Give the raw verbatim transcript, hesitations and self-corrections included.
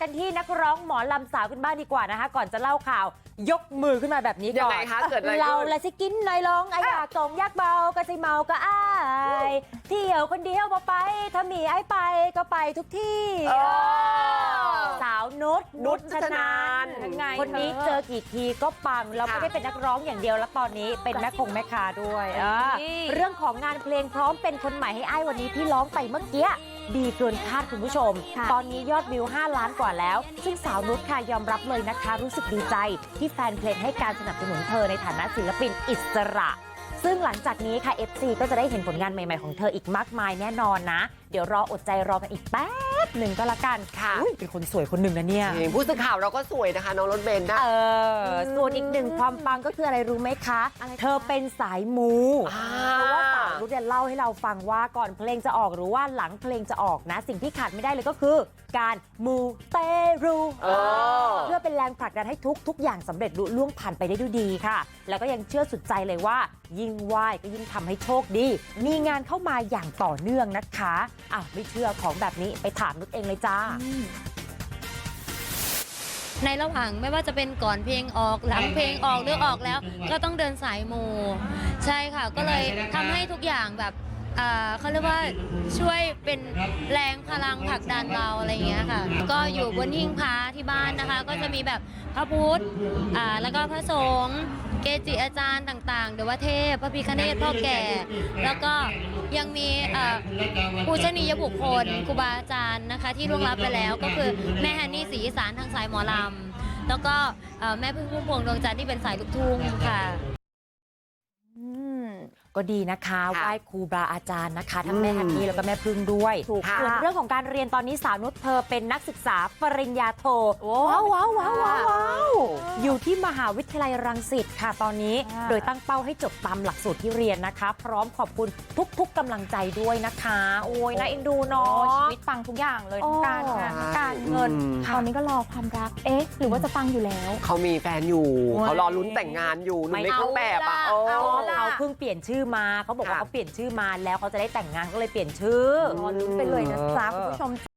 กันที่นักร้องหมอลำสาวกันบ้างดีกว่านะคะก่อนจะเล่าข่าวยกมือขึ้นมาแบบนี้ก่อนยังไงคะเกิดอะไรขึ้นเราละสิกินหน่อยลองไอ้อยากกงยักเบาก็สิเมาก็อ้ายเที่ยวคนเดียวบ่ไปถ้ามีไอ้ไปก็ไปทุกที่สาวนุชนุชชนานคนนี้เจอกี่ทีก็ปังแล้วไม่ได้เป็นนักร้องอย่างเดียวแล้วตอนนี้เป็นแม่คงแม่ค้าด้วยเรื่องของงานเพลงพร้อมเป็นคนใหม่ให้อ้ายวันนี้ที่ร้องไปเมื่อกี้ดีเกินคาดคุณผู้ชมตอนนี้ยอดวิวห้าล้านกว่าแล้วซึ่งสาวนุชค่ะยอมรับเลยนะคะรู้สึกดีใจที่แฟนเพลงให้การสนับสนุนเธอในฐานะศิลปินอิสระซึ่งหลังจากนี้ค่ะ เอฟ ซี ก็จะได้เห็นผลงานใหม่ๆของเธออีกมากมายแน่นอนนะเดี๋ยวรออดใจรอกันอีกแป๊บหนึ่งก็แล้วกันค่ะเป็นคนสวยคนหนึ่งนะเนี่ยผู้สื่อข่าวเราก็สวยนะคะน้องรถเบนซ์นะเออส่วนอีกหนึ่งความปังก็คืออะไรรู้ไหมคะเธอเป็นสายมูเพราะว่าสาวนุชเนี่ยเล่าให้เราฟังว่าก่อนเพลงจะออกหรือว่าหลังเพลงจะออกนะสิ่งที่ขาดไม่ได้เลยก็คือการมูเตรูเพื่อเป็นแรงผลักดันให้ทุกทุกอย่างสำเร็จลุล่วงผ่านไปได้ด้วยดีค่ะแล้วก็ยังเชื่อสุดใจเลยว่ายิ่งไหว้ก็ยิ่งทำให้โชคดีมีงานเข้ามาอย่างต่อเนื่องนะคะอ้าวไม่เชื่อของแบบนี้ไปถามนุชเองเลยจ้าในระหว่างไม่ว่าจะเป็นก่อนเพลงออกหลังเพลงออกหรือออกแล้วก็ต้องเดินสายมูใช่ค่ะก็เลยทำให้ทุกอย่างแบบเขาเรียกว่าช่วยเป็นแรงพลังผลักดันเราอะไรอย่างเงี้ยค่ะก็อยู่บนหิ้งพระที่บ้านนะคะก็จะมีแบบพระพุทธแล้วก็พระสงฆ์เกจิอาจารย์ต่างๆเดวเทพพระพิฆเนศพ่อแก่แล้วก็ยังมีผู้ชนียบุคคลครูบาอาจารย์นะคะที่ล่วงลับไปแล้วก็คือแม่ฮันนี่ศรีอีสานทางสายหมอลำแล้วก็แม่พึ่งพุ่มพวงดวงจันทร์ที่เป็นสายลูกทุ่งค่ะก็ดีนะคะไหว้ครูบาอาจารย์นะคะทั้งแม่ฮันนี่แล้วก็แม่พึ่งด้วยส่วนเรื่องของการเรียนตอนนี้สาวนุชเธอเป็นนักศึกษาปริญญาโทว้าวว้าวว้าวว้าวอยู่ที่มหาวิทยาลัยรังสิตค่ะตอนนี้โดยตั้งเป้าให้จบตามหลักสูตรที่เรียนนะคะพร้อมขอบคุณทุกๆกำลังใจด้วยนะคะโอ้ยน่าเอ็นดูเนาะชีวิตปังทุกอย่างเลยทั้งการงานทั้งการเงินตอนนี้ก็รอความรักเอ๊ะหรือว่าจะปังอยู่แล้วเขามีแฟนอยู่เขารอลุ้นแต่งงานอยู่หนุ่มในเครื่องแบบอ่ะเขาเพิ่งเปลี่ยนชื่อมาเขาบอกว่าเขาเปลี่ยนชื่อมาแล้วเขาจะได้แต่งงานก็เลยเปลี่ยนชื่อรอลุ้นไปเลยนะจ๊ะคุณผู้ชม